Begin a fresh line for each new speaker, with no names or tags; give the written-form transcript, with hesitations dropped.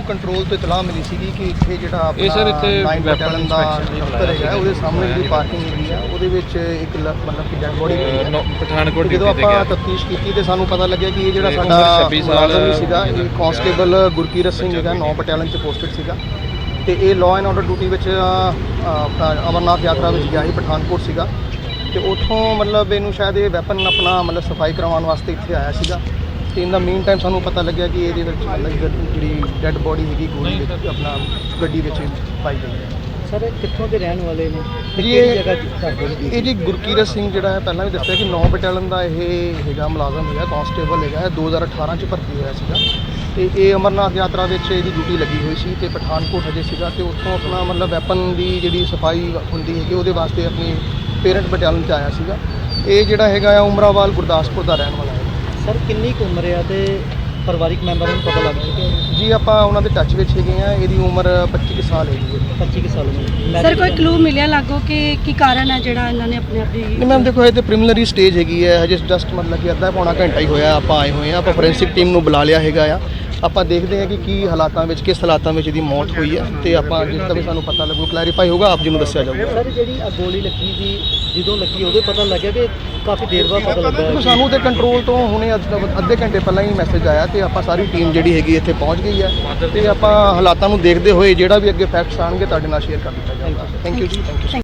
ਸਾਨੂੰ ਕੰਟਰੋਲ ਤੋਂ ਇਤਲਾਹ ਮਿਲੀ ਸੀਗੀ ਕਿ ਇੱਥੇ ਜਿਹੜਾ ਆਪਣਾ 9 ਬਟਾਲੀਅਨ ਦਾ ਦਫ਼ਤਰ ਹੈਗਾ ਉਹਦੇ ਸਾਹਮਣੇ ਜਿਹੜੀ ਪਾਰਕਿੰਗ ਹੈਗੀ ਆ ਉਹਦੇ ਵਿੱਚ ਇੱਕ ਮਤਲਬ ਕਿ ਡੈਡ ਬੋਡੀ ਪਈ ਹੈ ਪਠਾਨਕੋਟ। ਜਦੋਂ ਆਪਾਂ ਤਫਤੀਸ਼ ਕੀਤੀ ਤੇ ਸਾਨੂੰ ਪਤਾ ਲੱਗਿਆ ਕਿ ਇਹ ਜਿਹੜਾ ਸਾਡਾ ਮੁਲਾਜ਼ਮ ਸੀਗਾ ਇਹ ਕਾਂਸਟੇਬਲ ਗੁਰਕੀਰਤ ਸਿੰਘ ਹੈਗਾ 9 ਬਟਾਲੀਅਨ 'ਚ ਪੋਸਟਡ ਸੀਗਾ ਤੇ ਇਹ ਲਾਅ ਐਂਡ ਆਰਡਰ ਡਿਊਟੀ ਵਿੱਚ ਆਪਣਾ ਅਮਰਨਾਥ ਯਾਤਰਾ ਵਿੱਚ ਗਿਆ ਸੀ, ਪਠਾਨਕੋਟ ਸੀਗਾ ਤੇ ਉੱਥੋਂ ਮਤਲਬ ਇਹਨੂੰ ਸ਼ਾਇਦ ਇਹ ਵੈਪਨ ਆਪਣਾ ਮਤਲਬ ਸਫਾਈ ਕਰਵਾਉਣ ਵਾਸਤੇ ਇੱਥੇ ਆਇਆ ਸੀਗਾ ਤੇ ਇਨ ਦਾ ਮੇਨ ਟਾਈਮ ਸਾਨੂੰ ਪਤਾ ਲੱਗਿਆ ਕਿ ਇਹਦੇ ਵਿੱਚ ਮਤਲਬ ਜਿਹੜੀ ਡੈੱਡ ਬੋਡੀ ਹੈਗੀ ਗੋਲੀ ਵਿੱਚ ਆਪਣਾ ਗੱਡੀ ਵਿੱਚ ਪਾਈ ਗਈ ਹੈ।
ਸਰ ਕਿੱਥੋਂ ਦੇ ਰਹਿਣ ਵਾਲੇ ਨੇ
ਜੀ ਇਹ ਜੀ ਗੁਰਕੀਰਤ ਸਿੰਘ ਜਿਹੜਾ ਹੈ ਪਹਿਲਾਂ ਵੀ ਦੱਸਿਆ ਕਿ 9 ਬਟਾਲੀਅਨ ਦਾ ਇਹ ਹੈਗਾ ਮੁਲਾਜ਼ਮ ਹੈਗਾ, ਕਾਂਸਟੇਬਲ ਹੈਗਾ, 2018 'ਚ ਭਰਤੀ ਹੋਇਆ ਸੀਗਾ ਤੇ ਇਹ ਅਮਰਨਾਥ ਯਾਤਰਾ ਵਿੱਚ ਇਹਦੀ ਡਿਊਟੀ ਲੱਗੀ ਹੋਈ ਸੀ ਤੇ ਪਠਾਨਕੋਟ ਹਜੇ ਸੀਗਾ ਤੇ ਉੱਥੋਂ ਆਪਣਾ ਮਤਲਬ ਵੈਪਨ ਦੀ ਜਿਹੜੀ ਸਫਾਈ ਹੁੰਦੀ ਹੈਗੀ ਉਹਦੇ ਵਾਸਤੇ ਆਪਣੀ ਪੇਰੈਂਟ ਬਟਾਲੀਅਨ 'ਚ ਆਇਆ ਸੀਗਾ। ਇਹ ਜਿਹੜਾ ਹੈਗਾ ਆ ਉਮਰਾਵਾਲ ਗੁਰਦਾਸਪੁਰ ਦਾ ਰਹਿਣ ਵਾਲਾ ਹੈ।
ਸਰ ਕਿੰਨੀ ਕੁ ਉਮਰ ਆ ਤੇ ਪਰਿਵਾਰਿਕ ਮੈਂਬਰਾਂ ਨੂੰ ਪਤਾ ਲੱਗ ਚੁੱਕਿਆ
ਜੀ ਆਪਾਂ ਉਹਨਾਂ ਦੇ ਟੱਚ ਵਿੱਚ ਹੈਗੇ ਆ। ਇਹਦੀ ਉਮਰ 25 ਕੁ ਸਾਲ ਹੈਗੀ ਹੈ।
25 ਸਾਲ ਉਮਰ।
ਸਰ ਕੋਈ ਕਲੂ ਮਿਲਿਆ ਲੱਗੋ ਕਿ ਕੀ ਕਾਰਨ ਹੈ ਜਿਹੜਾ ਇਹਨਾਂ ਨੇ ਆਪਣੇ ਆਪ ਦੀ
ਨਹੀਂ ਮੈਮ ਦੇਖੋ ਇਹ ਤੇ ਪ੍ਰੀਲਿਮਿਨਰੀ ਸਟੇਜ ਹੈਗੀ ਹੈ, ਹਜੇ ਜਸਟ ਮਤਲਬ ਕਿ ਅੱਧਾ ਪੌਣਾ ਘੰਟਾ ਹੀ ਹੋਇਆ ਆਪਾਂ ਆਏ ਹੋਏ ਆ। ਆਪਾਂ ਫੋਰੈਂਸਿਕ ਟੀਮ ਨੂੰ ਬੁਲਾ ਲਿਆ ਹੈਗਾ ਆ। ਆਪਾਂ ਦੇਖਦੇ ਹਾਂ ਕਿ ਕੀ ਹਾਲਾਤਾਂ ਵਿੱਚ ਕਿਸ ਹਾਲਾਤਾਂ ਵਿੱਚ ਇਹਦੀ ਮੌਤ ਹੋਈ ਹੈ ਤੇ ਆਪਾਂ ਜਿਸ ਦਾ ਵੀ ਸਾਨੂੰ ਪਤਾ ਲੱਗੂ ਕਲੈਰੀਫਾਈ ਹੋਊਗਾ ਆਪ ਜੀ ਨੂੰ ਦੱਸਿਆ ਜਾਊਗਾ।
ਸਰ ਜਿਹੜੀ ਗੋਲੀ ਲੱਗੀ ਸੀ ਜਦੋਂ ਲੱਗੀ ਉਹਦੇ ਪਤਾ ਲੱਗਿਆ ਕਿ ਕਾਫੀ ਦੇਰ ਬਾਅਦ ਪਤਾ ਲੱਗਾ
ਸਾਨੂੰ ਤੇ ਕੰਟਰੋਲ ਤੋਂ ਹੁਣੇ ਅੱਧੇ ਘੰਟੇ ਪਹਿਲਾਂ ਹੀ ਮੈਸੇਜ ਆਇਆ ਤੇ ਆਪਾਂ ਸਾਰੀ ਟੀਮ ਜਿਹੜੀ ਹੈਗੀ ਇੱਥੇ ਪਹੁੰਚ ਗਈ ਹੈ ਤੇ ਆਪਾਂ ਹਾਲਾਤਾਂ ਨੂੰ ਦੇਖਦੇ ਹੋਏ ਜਿਹੜਾ ਵੀ ਅੱਗੇ ਫੈਕਟਸ ਆਉਣਗੇ ਤੁਹਾਡੇ ਨਾਲ ਸ਼ੇਅਰ ਕਰ ਦਿੱਤਾ ਜਾਊਗਾ। Thank you ji, thank you.